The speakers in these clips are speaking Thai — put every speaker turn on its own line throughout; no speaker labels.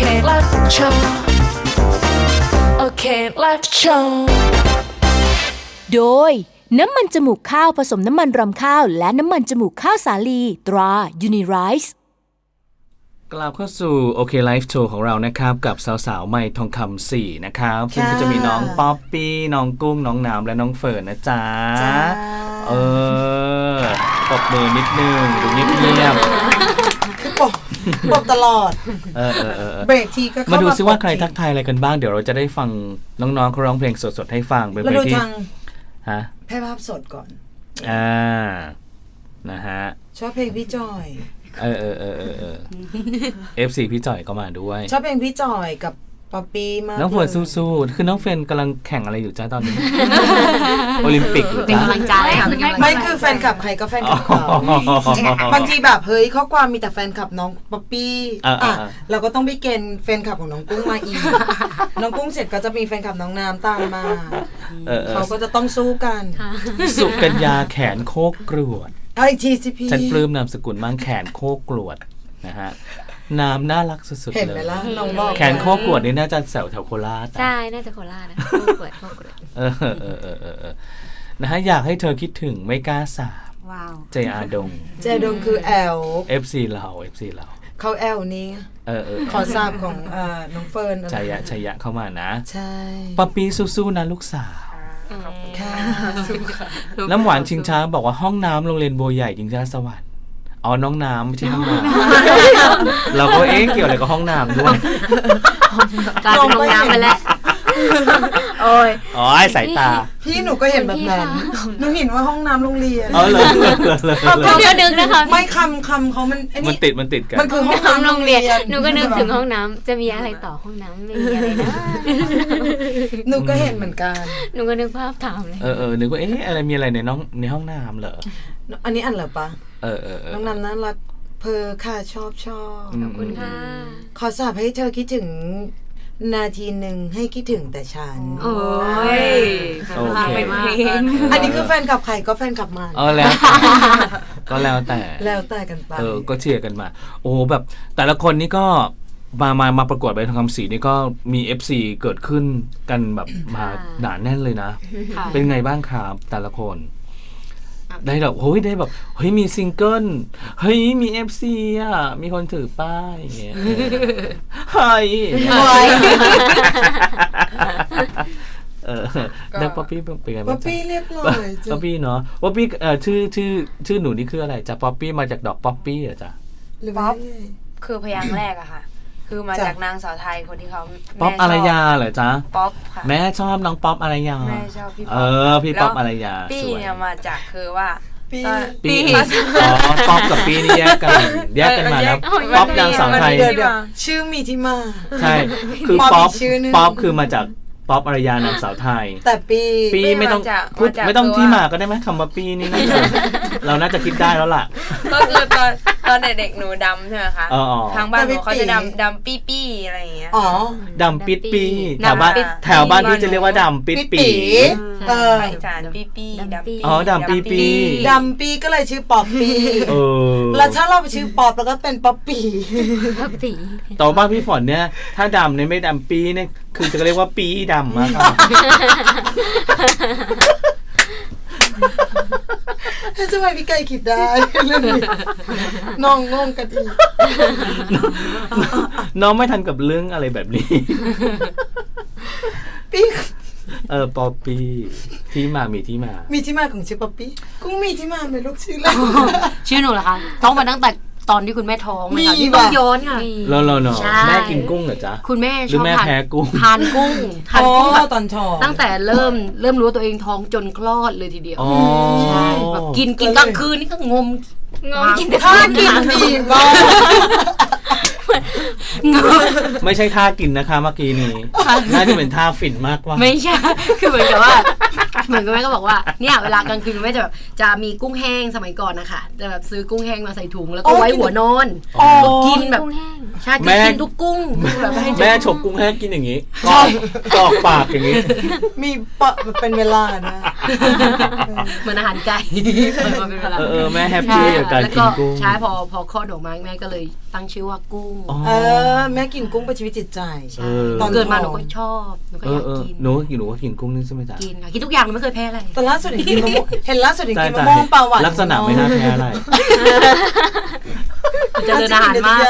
Okay, let's show. Okay, let's show.
โดยน้ำมันจมูกข้าวผสมน้ำมันรำข้าวและน้ำมันจมูกข้าวสาลีตรา Unirice
กลับเข้าสู่โอเคไลฟ์โชว์ของเรานะครับกับสาวๆใหม่ทองคำ4นะครับซึ่งก็จะมีน้องป๊อปปี้น้องกุ้งน้องน้ำและน้องเฟิร์นนะจ๊ะปรบมือนิดนึงดูเงียบ
คือปบตลอดเบรกทีก็เข้ามาดูซิ
ว่าใครทักทายอะไรกันบ้างเดี๋ยวเราจะได้ฟังน้องๆเขาร้องเพลงสดๆให้ฟังเป็นเพลงที่ฮะ
แพ้ภาพสดก่อน
นะฮะ
ชอบเพลงพี่จอย
FC พี่จ่อยก็มาด้วย
ชอบเพลงพี่จอยกับป๊อปปี้มาก
น้องเฟิร์นสู้ๆคือน้องเฟิร์นกำลังแข่งอะไรอยู่จ้าตอนนี้ โอลิมปิกหรือ
เป็นกำลังใจ
ไม่คือแฟนคลับใครก็แฟนคลับเขาบางทีแบบเฮ้ยข้อความมีแต่แฟนคลับน้องป๊อปปี้เราก็ต้องไปเกณฑ์แฟนคลับของน้องกุ้งมาอีกน้องกุ้งเสร็จก็จะมีแฟนคลับน้องน้ำตามมาเขาก็จะต้องสู้กัน
สุกัญญาแขนโคกกรวด
อีกทีสิพี่
ฉันปลื้มนามสกุลมั่งแขนโคกกรวดนะฮะน้ำน่ารักสุดๆเลย
เห็นไหมล่ะน้องบอก
แขนโคกรวดนี่น่าจะแถวโคราช
ใช่น่าจะโคราชนะโคกรวด
นะฮะอยากให้เธอคิดถึงไม่กล้าสาบ
ว้าว
เจอาดง
คือแอล
FC เรา
เขาแอลนี้ขอทราบของน้องเฟิร์น
ชัยยะเข้ามานะ
ใช่
ป๊อปปี้สู้ๆนะลูกสาว
ค่ะ
น้ำหวานชิงช้าบอกว่าห้องน้ำโรงเรียนบัวใหญ่ชิงช้าสวรรค์อ๋อน้องน้ำไม่ใช่ห้องน้ำเราก็เกี่ยวอะไรกับห้องน้ำด้วย
กลายเป็นห้องน้ำไปแล้วโอ้ย
สายตา
พี่หนูก็เห็นแบบนั้นหนูเห็นว่าห้องน้ำโรงเรียน
เลย
เดี๋ยวนึกนะคะ
ไม่คำเขามัน
ติดกัน
มันคือห้องน้ำโรงเรียน
หนูก็นึกถึงห้องน้ำจะมีอะไรต่อห้องน้ำไม่มีอะไรนะ
หนูก็เห็นเหมือนกัน
หนูก็นึกภาพตามเลย
นึกว่าอะไรมีอะไรในห้องน้ำเหรอ
อันนี้อันเหรอปะน้องน้ำน่ารักเพอค่ะชอบ
ขอบคุณค่ะ
ขอสาบให้เธอคิดถึงนาทีหนึ่งให้คิดถึงแต่ฉัน
โอ้ย
โอเค
อันนี้คือแฟนกับใครก็แฟนกับมัน
แล้ว
แต่กันไป
ก็เชียร์กันมาโอ้แบบแต่ละคนนี่ก็มาประกวดใบทองคำศรีนี่ก็มี FC เกิดขึ้นกันแบบมาหนาแน่นเลยนะเป็นไงบ้างครับแต่ละคนได้แบบได้แบบมีซิงเกิลมี FC อ่ะมีคนถือป้ายอย่างเงี้ยแล้วป๊อปปี้เป็นไงบ้าง
ป๊อปปี้เรียบร้อย
ป๊อปปี้เนาะป๊อปปี้ชื่อหนูนี่คืออะไรจ๊ะป๊อปปี้มาจากดอกป๊อปปี้เหรอจ๊ะ
ป๊อปคือพยางค์แรกอะค่ะคือมาจากนางสาวไทยคนที่เขา
ป๊อปอารยาเหรอจ๊ะ
ป๊อปค่ะ
แม่ชอบน้องป๊อปอารยา
แม่ชอบพี่ป๊อป
พี่ป๊อปอารยา
ปี้เนี่ยมาจากคือว่า
ปีป๊อปกับปีนี่แยกกันมาแล้วป๊อปนางสาวไทย
ชื่อมีที่มา
ใช่คือป๊อปคือมาจากป๊อปอารยานางสาวไทย
แต่
ปีไม่ต้องพูดไม่ต้องที่มาก็ได้ไหมคำว่าปีนี่เราน่าจะคิดได้แล้วล่ะ
ก็คือตอนเด็กๆหนูดำใช่ไหมคะทางบ้านหนูเขาจะดำปี้อะไรอย่างเงี้ย
ดำปิดปีแถวบ้านพี่จะเรียกว่าดำปิดปี
อีสานปี้ดำปี้
ดำ
ปีก็เลยชื่อป๊อปปี้แล้วถ้าเราไปชื่อป๊อปแล้วก็เป็นป๊อปปี้
ต่อบ้านพี่ฝนเนี่ยถ้าดำเนี่ยไม่ดำปีเนี่ยคือจะเรียกว่าปีดำมาก
ทำไมพี่ไก่คิดได้น้องงงกันอีก
น้องไม่ทันกับเรื่องอะไรแบบนี้
พี่
ป๊อปปี้ที่มามีที่มา
ของชื่อป๊อปปี้กุ้งมีที่มาไหมลูกชื่ออะไร
ชื่อหนูเหรอคะต้องมาตั้งแต่ตอนที่คุณแม่ท้องเลยค่ะที่ต้องย้อนค่ะ
รอแม่กินกุ้งเหรอจ๊ะ
คุณแม่ชอบ
แพ้กุ้ง
ทานกุ้ง
แบบตอนท้อง
ตั้งแต่เริ่มรู้ว่าตัวเองท้องจนคลอดเลยทีเดียวใช่แบบกินกลางคืนนี่ก็งม
กินท่ากินดีบ้า
ไม่ใช่ท่ากินนะคะเมื่อกี้นี้น่าจะเป็นท่าฝิ่นมากกว่า
ไม่ใช่คือเหมือนกับแม่ก็บอกว่าเนี่ยเวลากลางคืนแม่จะมีกุ้งแห้งสมัยก่อนนะคะจะแบบซื้อกุ้งแห้งมาใส่ถุงแล้วก็ไว้หัวนอนกินแบบใช่กินทุกกุ้งแบบ
แม่ฉกกุ้งแห้งกินอย่างนี้กรอกปากอย่างนี้
มีเป็นเวลานะ
เหมือนอาหารไก่มาเป็นเวลา
แม่แฮปปี้กับการกินกุ้ง
ใช่พอคลอดออกมาแม่ก็เลยตั้งชื่อว่ากุ้ง
แม่กินกุ้งเป็นชีวิตจิตใจ
ตอนเกิดมาหนูก็ชอบหนูก็อยากกิน
หนูก็กินกุ้งนี่ใช่ไหมจ๊ะ
กินค่ะกินทุกอย่างหนูไม่เคยแพ้อะไร
แต่ล่าสุดเห็นกินมะม่วงเห็นล่าสุดเห็นกินมะม่วงปลาหวาน
ลักษณะไม่น่าแพ้อะไร
เจริญอาหารมาก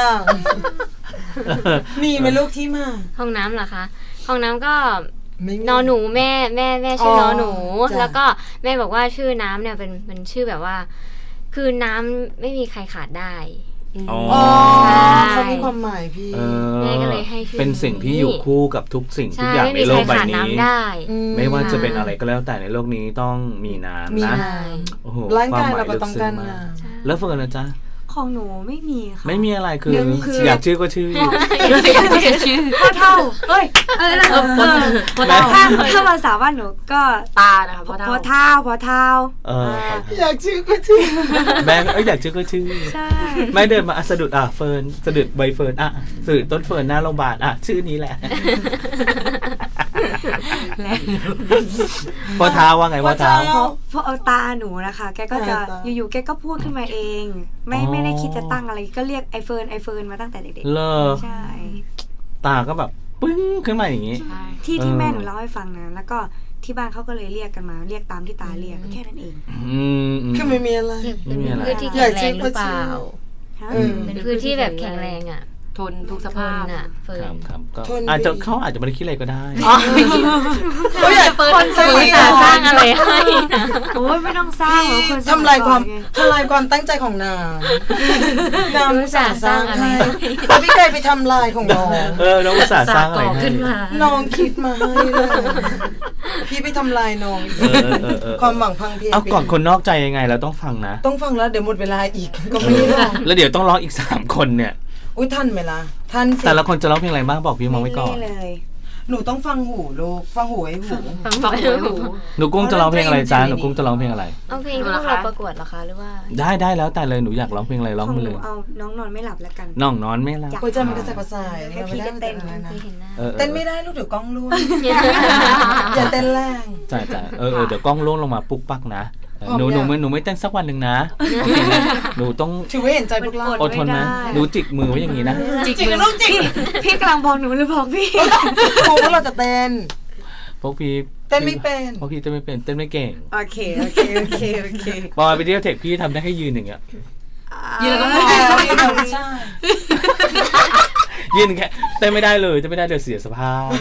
มีไหมลูกที่มา
ห้องน้ำเหรอคะ ห้องน้ำก็
ไม่มี
นอหนูแม่ชื่อนอหนู
จ้ะ
แล้วก็แม่บอกว่าชื่อน้ำเนี่ยเป็นชื่อแบบว่า คือน้ำไม่มีใครขาดได้
อ๋อ
เขามีความหมายพี่
แม่ก็เลยให้ชื่อ
เป็นสิ่งที่อยู่คู่กับทุกสิ่งทุก
ใช่
อย่าง
ไม่
ใน
มี
โล
ใคร
กใบ
ขาด
นี้
น้ำได้
ไม่ว่าจะเป็นอะไรก็แล้วแต่ในโลกนี้ต้องมีน้ำ
มี
นะ
น้
โอ้โห
ร่างกาย
ควมหม
เราก็ต้องการ
ลึซึ้
น้ำ
แล้วเฟิร์นนะจ๊ะ
ของหนูไม่มีค่ะ
ไม่มีอะไรคือ
คือ
อยากชื่อก็ชื่อ
พ่อเท่าเฮ้ยอะไรนะ
พ่อเท่า
ถ้าภาษาบ้านหนูก็
ตานะคะพ่อ
พ่อ
เท่า
เท่า
อยากชื่อก็ชื่อ
แม่อยากชื่อก็ชื่อ
ใช่
แม่เดินมาสะดุดเฟิร์นสะดุดใบเฟิร์นสะดุดต้นเฟิร์นหน้าโรงพยาบาลชื่อนี้แหละพ่อเท้าว่าไงพ่อเท้า
เพราะเอาตาหนูนะคะ แกก็จะอยู่ๆแกก็พูดขึ้นมาเอง ไม่ได้คิดจะตั้งอะไรก็เรียกไอเฟิร์นมาตั้งแต่เด็ก
เลอ
ๆใช่
ตาก็แบบปึ้งขึ้นมาอย่างนี้
ที่แม่หนูเล่าให้ฟังนะแล้วก็ที่บ้านเขาก็เลยเรียกกันมาเรียกตามที่ตาเรียกแค่นั้นเอง
คือไม่มีอะไร
ไม่มีอะไร
พืชที่แข็งแรงหรือเปล่า
ฮะ
เป็นพืชที่แบบแข็งแรงอ่ะ
ทนทุกส
ท
ภาน พ
อ่ะเฟิร์
ครั
น
บครับก็
ทนดี
เขาอาจจะไม่ได้คิดอะไรก็ได้
เขาอยาก
คนสร้างอะไรให้นะ
โอ้ยไม่ต้องสร้างหรอกคนสย
ทำลายความ
ก่อนไง
ทำลายความตั้งใจของนางนางอุตส่าห์สร้างให้แต่พี่ไก่ไปทำลายของน้อง
น้องอุตส่าห์สร้างอะไร
ก่อ
ให้
ขึ้นมา
น้องคิดมาให้เลยพี่ไปทำลายน้อง ความหวังพังเพย
เอาก่อนคนนอกใจยังไงเราต้องฟังนะ
ต้องฟังแล้วเดี๋ยวหมดเวลาอีกก็ไม่ได้ร้อง
แล้วเดี๋ยวต้องร้องอีก3คนเนี่ย
อุ้ยท่านไหมล่ะท่านสิ
แต่ละคนจะร้องเพลงอะไรบ้างบอกพี่มองไว้ก่อน
ไม่เลย
หนูต้องฟังหูลูกฟังหูไอ้หู
ฟังหู
หนูกุ้งจะร้องเพลงอะไรจ้าหนูกุ้งจะร้องเพลงอะไร
เอาเพลงที่พวกเราประกวดเหรอคะหรือว่า
ได้แล้วแต่เลยหนูอยากร้องเพลงอะไรร้อง
ของ
มา
ห
เล
นู
ย
เอาน้องนอนไม่หลับแล้วกัน
น้องนอนไม่หลับ
หัวใจมันกระสับกระส่าย
ให้พี่ก็เต้น
ราไม่ได้
เคยเห็นหน้า
เต้นไม่ได้ลูกเดี๋ยวกล้องร่วงอย่าเต้นแรง
จ่ายเดี๋ยวกล้องล่วงลงมาปุ๊กปักนะ
พร้อม
หนู
ยัง
ไม่เต้นสักวันหนึ่งนะโอเคนะหนูต้อง
ถือว่าเห็นใจพวกเรา
อดทนนะหนูจิกมือไว้อย่างนี้นะ
จิก
จริง
มือ
ลูกจริง
พี่กำลังบอกหนูหรือบอกพี่
ครูว่าเราจะเต้น
พวกพี่
เต้นไม่เป็น
พวกพี่เต้นไม่เป็นเต้นไม่เก่ง
โอเค
บอยไปเที่ยวเทคพี่ทำได้แค่ยืนอย่างเงี้ย
ยืนแล้วก็มอง
ใช่
ยืนแค่เต้นไม่ได้เลยเต้นไม่ได้เดี๋ยวเสียสภาพ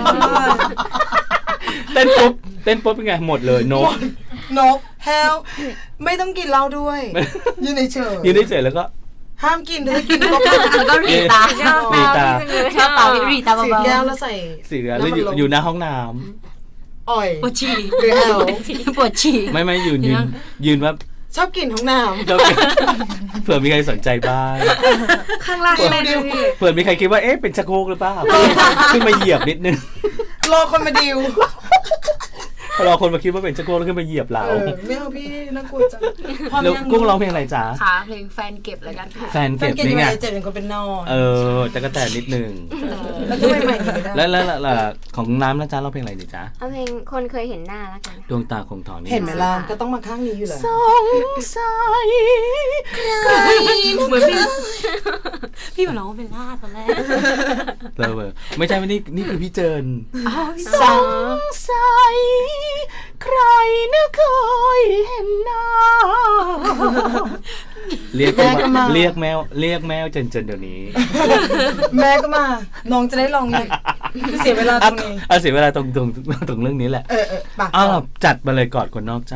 เต้นปุ๊บเป็นไงหมดเลยนก
นกแฮวไม่ต้องกินเหล้าด้วย ยืนเฉย
ยืนเฉยๆแล้วก็
ห้ามกินถ้ากินก็
แล้วก็รีตา
รีตา
ชอบตารีตา
สี
เบา
แก้วแล้วใส่
เสียแล้วอยู่หน้าห้องน้
อ่อย
ๆปวดฉี่
หรือแฮว
ปวดฉี่
ำไม่ยืนว่า
ชอบกินห้องน้
เผื่อมีใครสนใจบ้าง
ข้างล่างเล่นด้วยพี่
เผื่อมีใครคิดว่าเอ๊ะเป็นชักโครกหรือเปล่าขึ้นมาเหยียบนิดนึง
ำรอคนมาดิว
พอเราคนมาคิดว่าเป็นชักโครกแล้วขึ้นมาเหยียบเรา
ไม่เอาพี่น่ากลัวจังพร้อม
แล้ว
ยัง
กุ้งร้องเพลงอะไรจ๊ะ
ค่ะเพลงแฟนเก็บแล้วกันค่ะ
แฟน
แฟ
เก็
น
บ
เก่ง
นี่
ยัง
ไง
ไงเจ็บเป็นคนเป็นนอน
แต่ก็แต่นิดนึง
แล้วทำไมใหม่ไม่ได้
แล้วของน้ำนะจ๊ะร้องเพลงอะไรดีจ๊ะ
เอาเพลงคนเคยเห็นหน้าแล้วกัน
ดวงตาคงถอนนี่
เห็นไหมล่ะก็ต้องมาข้างนี้อยู่เลย
สงสัย
เหมือนพี่เหมือนน้องเป็นล่าตอนแรก
เลยไม่ใช่ว่านี่คือพี่เจิน
สอง
สัยใครนะเคยเห็นหน้าเรียกแมวเจินเดี๋ยวนี้
แม่ก็มา น้องจะได้ลองอีกเสียเวลาตรงนี้
เสียเวลาตรงเรื่องนี้แหละ
ปาก
จัดมาเลยกอดคนนอกใจ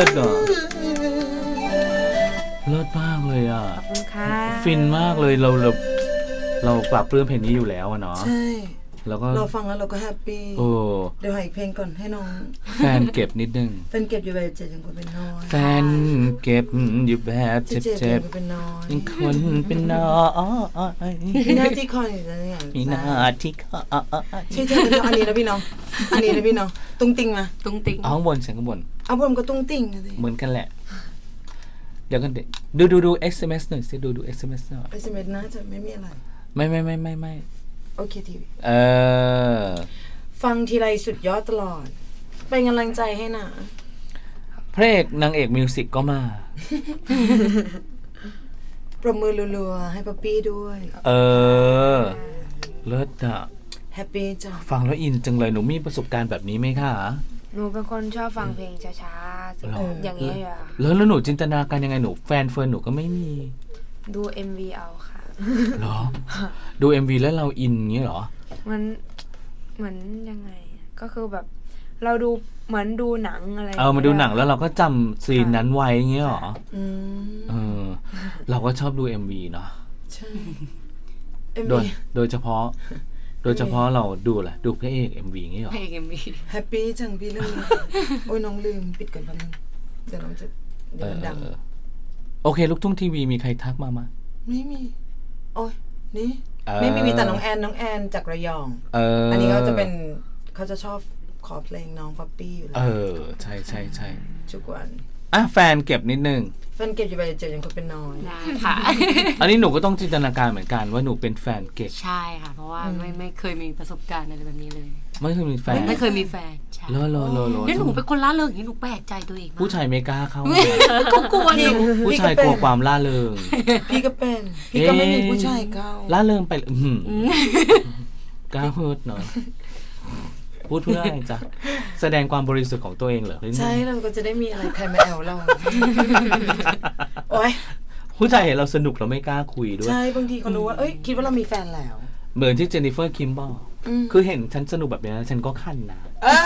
ศอ่ะเลิศมากเลยอ่ะ
ขอบคุณค่ะ
ฟินมากเลยเราปรับเรื่องเพลงนี้อยู่แล้วอะเนาะ
ใช่
แล้วก็
เราฟังแล้วเราก็แฮปปี้
โอ้
เดี๋ยวหาอีกเพลงก่อนให้น้อง
แฟนเก็บนิดนึง
เป็นเก็บอยู่แบบเจ็บยังคนเป็นน้อย
แฟนเก็บอยู่แบบเจ็บ
ยังคนเป็นน้อย
ยังคนเป็นน้อย
มีหน้าที่คอยอยู่นะอย่าง
มีหน้าที่เขา
ช่วยเธอเป็นน้องอันนี้นะพี่น้องอันนี้นะพี่น้องตุ้งติงมา
ตุ้งติ้ง
เอาข้างบนเสียงข้างบน
เอาผมก็ตุ้งติงนะสิ
เหมือนกันแหละ เดี๋ยวกันดู SMS หน่อยสิดู SMS หน่อย
SMS น่าจะไม่มีอะไร
ไม่
โอเคทีวี
อ
ฟังทีไรสุดยอดตลอด เป็นกำลังใจให้นะ
พระเอกนางเอกมิวสิกก็มา
ประมือรัวๆให้ป๊อปปี้ด้วย
เลิศอะ
แฮปปี้จ้ะ
ฟังแล้วอินจังเลยหนูมีประสบการณ์แบบนี้ไหมคะ
หนูเป็นคนชอบฟังเพลงช้าๆ
หรอ
อย่างนี้อยู่อะ
แล้วหนูจินตนาการยังไงหนูแฟนเฟิร์นหนูก็ไม่มี
ดู MV เอาค่ะ
เหรอ ดู MV แล้วเราอินอย่างเงี้ยเหรอ
มันเหมือนยังไงอะก็คือแบบ เราดูเหมือนดูหนังอะไร
มาดูหนังแล้วเราก็จำซีนนั้นไว้อย่างเงี้ยเหรอ
อืม
เราก็ชอบดู MV เนาะ
ใช่
โด
MV
ยโดยเฉพาะเราดูแหละดูพระเอก MV อย่างเงี้ยเหรอ
เพลงเอ็มวี
แฮปปี้จังพี่เรื่องนี้ โอ้ยน้องลืมปิดก่อนแป๊บนึงเดี๋ยวน้องจะเดี๋ยวมันดัง
โอเคลูกทุ่งทีวีมีใครทักมา
ไม่มี โอ้ยนี่
เออ
ไม่มีแต่น้องแอนจากระยอง อันนี้เขาจะเป็นเขาจะชอบขอเพลงน้องป๊อปปี้อยู่แล้ว
ใช่
ทุกวัน
อ่ะแฟนเก็บนิดนึง
แฟนเก็บอยู่ไปเจอยังคนเป็นน้อย
ได้ค่ะ
อันนี้หนูก็ต้องจินตนาการเหมือนกันว่าหนูเป็นแฟนเก็บ
ใช่ค่ะ เพราะว่าไม่เคยมีประสบการณ์อะไรแบบนี้เลย
ไม่เคยมีแฟน
ไม่เคยมีแฟนใช่
โล
แล้วหนูเป็นคนล่าเริงอย่างนี้หนูแปลกใจตัวเองมาก
ผู้ชายไม่กล้าเข้า
ก็กลัวหนู
ผู้ชายกลัวความล่าเริง
พี่ก็เป็น พี่ก็ไม่มีผู้ชายเก้า
ล่าเริงไปกล้าเฮิร์ตเนาะพูดเพื่ออะไรจ๊ะแสดงความบริสุทธิ์ของตัวเองเหรอ
ใช่เราก็จะได้มีอะไรใครมาแอลเรา โอ้ย
ผู้ชายเห็นเราสนุกเราไม่กล้าคุยด้วย
ใช่บางทีเขารู้ว่า เอ้ยคิดว่าเรามีแฟนแล้ว
เหมือนที่เจนนิเฟอร์คิมบอก คือเห็นฉันสนุกแบบนี้ฉันก็ขั้นนะ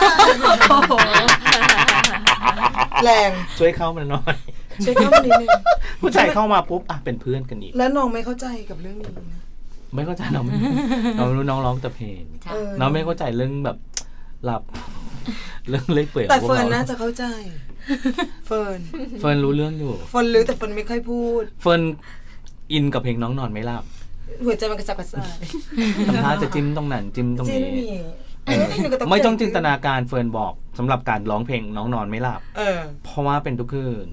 แรง
ช่วยเข้ามาหน่อย
ช่วยเข้ามานิดนึง
ผู้ชายเข้ามาปุ๊บเป็นเพื่อนกันอีก
แล้วน้องไม่เข้าใจกับเรื่องนี้นะ
ไม่เข้าใจเราไม่รู้น้องร้องแต่เพลง
ใช่
น้องไม่เข้าใจเรื่องแบบหลับ เรื่องเล็กเปื่อย
แต่
ของพวก
เฟิร์น
รา
น่าจะเข้าใจ เฟิร์น
เฟิร์นรู้เรื่องอยู่
เฟิร์นรู้แต่เฟิร์นไม่ค่อยพูด
เฟิร์นอินกับเพลงน้องนอนไม่หลับ
หัวใจมันกระสับกระส่าย
ทำท่าจะจิ้มตรงนั้นจิ้มตรง
จริง
นี้
หนูก็
ไม่ต้องจินตนาการเฟิร์นบอกสำหรับการร้องเพลงน้องนอนไม่หลับ
เออ
เพราะว่าเป็นทุกคืน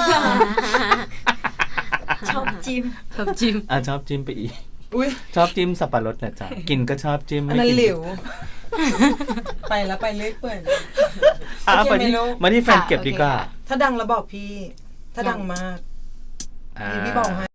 ชอบจิ้ม
ชอบจิ้ม
ชอบจิ้มไปอีก
อุ้ย
ชอบจิ้มสับปะรดนะจ๊ะกินก็ชอบจิ้ม
อัน
ไม่
นั้น
กิน
หลิว ไปแล้วไปเรื่อยเปื่อย
อ่ะ
โอเค
ไปที่
ไม่รู้
มาที่แฟนเก็บดีกว่า
ถ้าดังแล้วบอกพี่ ถ้าดังมาก พี่บอกให้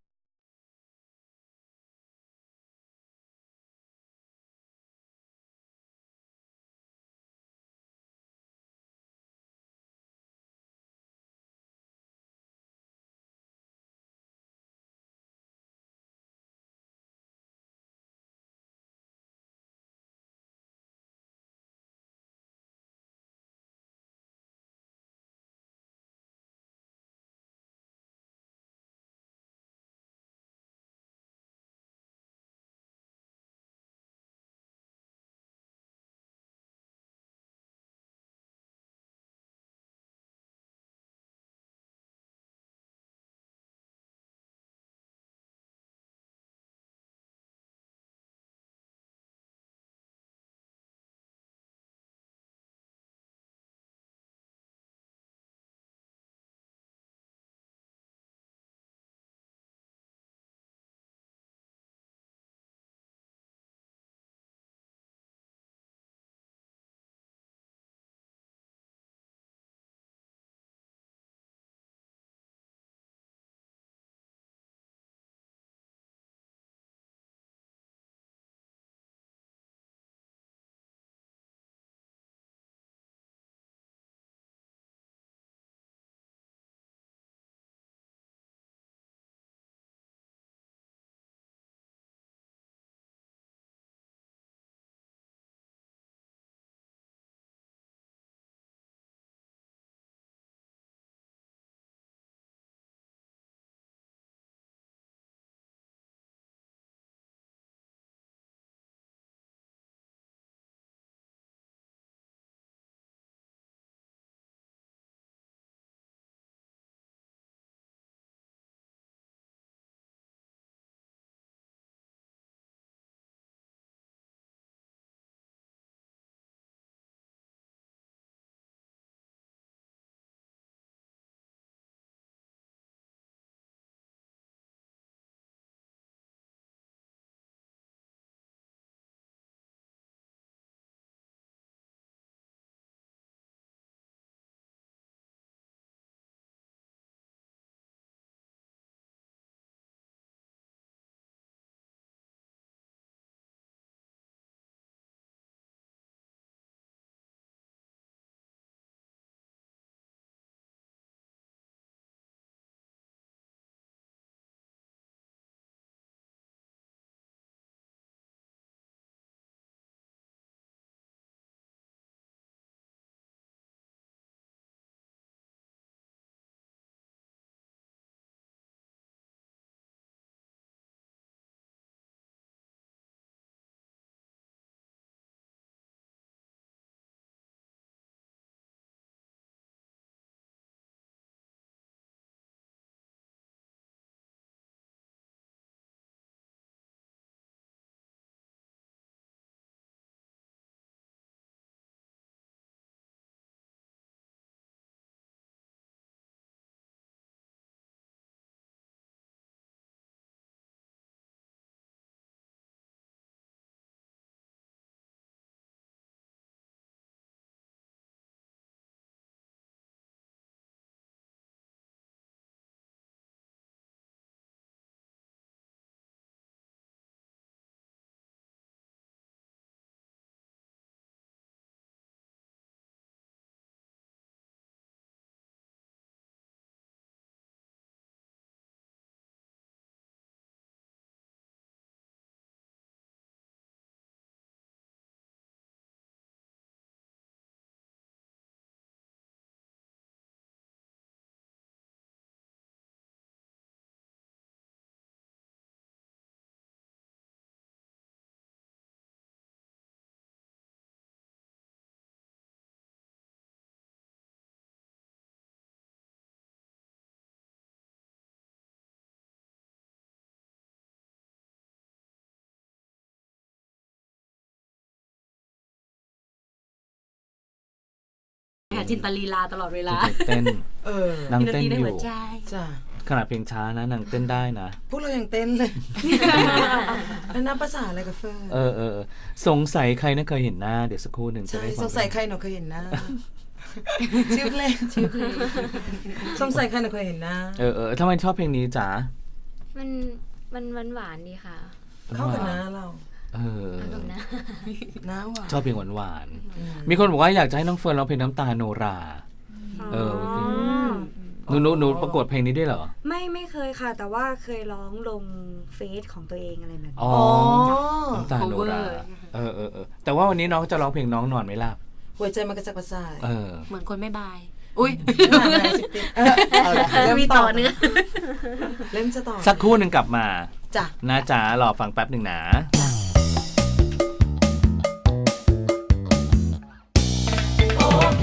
ค่ะจินตลีลาตลอดเวลา
เต้น นาง
มีดน
เต้น
ตรีใน
อ
หัว
ยู่
ใจ
จ้ะ
ขนาดเพลงช้านะนางเต้นได้นะ
พวกเรายังเต้นเลยแล้วนับภาษาอะไรกับเฟิร์น
สงสัยใครน่าเคยเห็นหน้าเดี๋ยวสักครู่หนึ่งจะ
ใช่
ได้ฟั
สงสัยใครหนูเคยเห็นหน้าชื่อเพลงสงสัยใครหนูเคยเห็นหน้า
ทำไมชอบเพลงนี้จ๋า
มันหวานดีค่ะ
เข้ากับหน้าเรา
แบบนะ
หน้าหวาน
ชอบเพลงหวานๆมีคนบอกว่าอยากจะให้น้องเฟิร์นร้องเพลงน้ำตาโนราหนูประกวดเพลงนี้ด้วยเหรอ
ไม่เคยค่ะ แต่ว่าเคยร้องลงเฟซของตัวเองอะไรแบบนี้
อ๋อน้ำตาโนราแต่ว่าวันนี้น้องจะร้องเพลงน้องนอนไม่หลับ
หัวใจมันกระสับกระส่าย
เหมือนคนไม่บาย อุ้ย
เริ่ม
มีต่อเนื้อ
เริ่มจะต่อ
สักครู่หนึ่งกลับมา
จ้ะ
นะจ๊ะรอฟังแป๊บหนึ่งนะ